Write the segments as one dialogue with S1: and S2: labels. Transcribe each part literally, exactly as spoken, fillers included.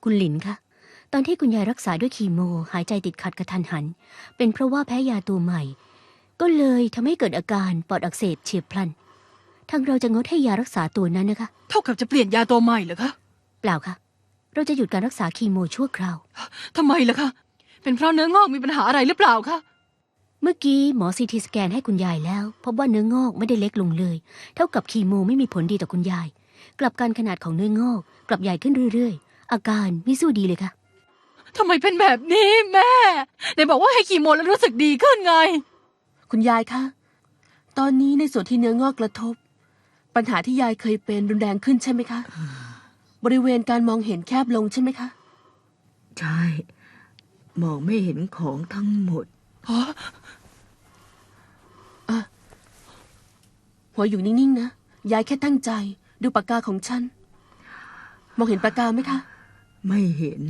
S1: คุณหลินคะตอนที่คุณยายรักษาด้วยคีโมหายใจติดขัดกระทันหันเป็นเพราะว่าแพ้ยาตัวใหม่ก็เลยทำให้เกิดอาการปอดอักเสบเฉียบพลันทางเราจะงดให้ยารักษาตัวนั้นนะคะ
S2: เท่ากับจะเปลี่ยนยาตัวใหม่เหรอคะ
S1: เปล่าค่ะเราจะหยุดการรักษาคีโมชั่วคราว
S2: ทำไมล่ะคะเป็นเพราะเนื้องอกมีปัญหาอะไรหรือเปล่าคะ
S1: เมื่อกี้หมอซีทีสแกนให้คุณยายแล้วพบว่าเนื้องอกไม่ได้เล็กลงเลยเท่ากับคีโมไม่มีผลดีต่อคุณยายกลับกันขนาดของเนื้องอกกลับใหญ่ขึ้นเรื่อยๆอาการไม่สู้ดีเลยค่ะ
S2: ทำไมเป็นแบบนี้แม่ไหนบอกว่าให้คีโมแล้วรู้สึกดีขึ้นไง
S3: คุณยายคะตอนนี้ในส่วนที่เนื้องอกกระทบปัญหาที่ยายเคยเป็นรุนแรงขึ้นใช่ไหมคะบริเวณการมองเห็นแคบลงใช่ไหมคะ
S4: ใช่มองไม่เห็นของทั้งหมด
S3: อะหัวอยู่นิ่งๆนะยายแค่ตั้งใจดูปากกาของฉันมองเห็นปากกาไหมคะ
S4: ไม่เห็น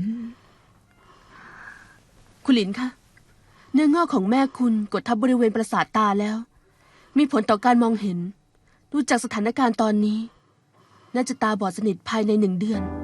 S3: คุณหลินคะเนื้องอกของแม่คุณกดทับบริเวณประสาทตาแล้วมีผลต่อการมองเห็นดูจากสถานการณ์ตอนนี้น่าจะตาบอดสนิทภายในหนึ่งเดือน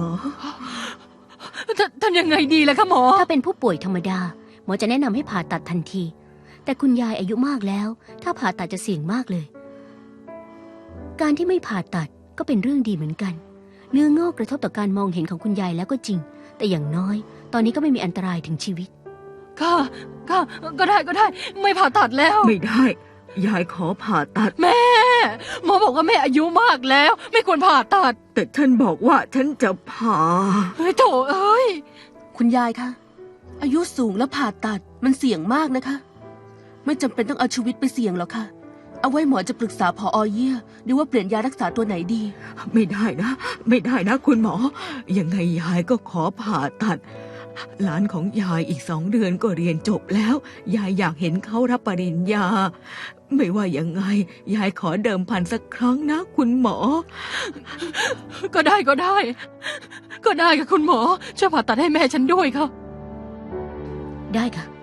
S2: ทำยังไงดีล่ะคะหมอ
S1: ถ้าเป็นผู้ป่วยธรรมดาหมอจะแนะนำให้ผ่าตัดทันทีแต่คุณยายอายุมากแล้วถ้าผ่าตัดจะเสี่ยงมากเลยการที่ไม่ผ่าตัดก็เป็นเรื่องดีเหมือนกันเนื้องอกกระทบต่อการมองเห็นของคุณยายแล้วก็จริงแต่อย่างน้อยตอนนี้ก็ไม่มีอันตรายถึงชีวิต
S2: ค่ะค่ะก็ได้ก็ได้ไม่ผ่าตัดแล้ว
S4: ไม่ได้ยายขอผ่าตัด
S2: แม่หมอบอกว่าแม่อายุมากแล้วไม่ควรผ่าตัด
S4: แต่ฉันบอกว่าฉันจะผ่า
S2: เฮ้ยโถเอ้ย
S3: คุณยายคะอายุสูงแล้วผ่าตัดมันเสี่ยงมากนะคะไม่จำเป็นต้องเอาชีวิตไปเสี่ยงหรอกค่ะเอาไว้หมอจะปรึกษาผอ.เยี่ยดูว่าเปลี่ยนยารักษาตัวไหนดี
S4: ไม่ได้นะไม่ได้นะคุณหมอยังไงยายก็ขอผ่าตัดหลานของยายอีกสองเดือนก็เรียนจบแล้วยายอยากเห็นเขารับปริญญาไม่ว่ายังไงยายขอเดิมพันสักครั้งนะคุณหมอ
S2: ก็ได้ก็ได้ก็ได้ค่ะคุณหมอช่วยผ่าตัดให้แม่ฉันด้วยค่ะ
S1: ได้ค่ะ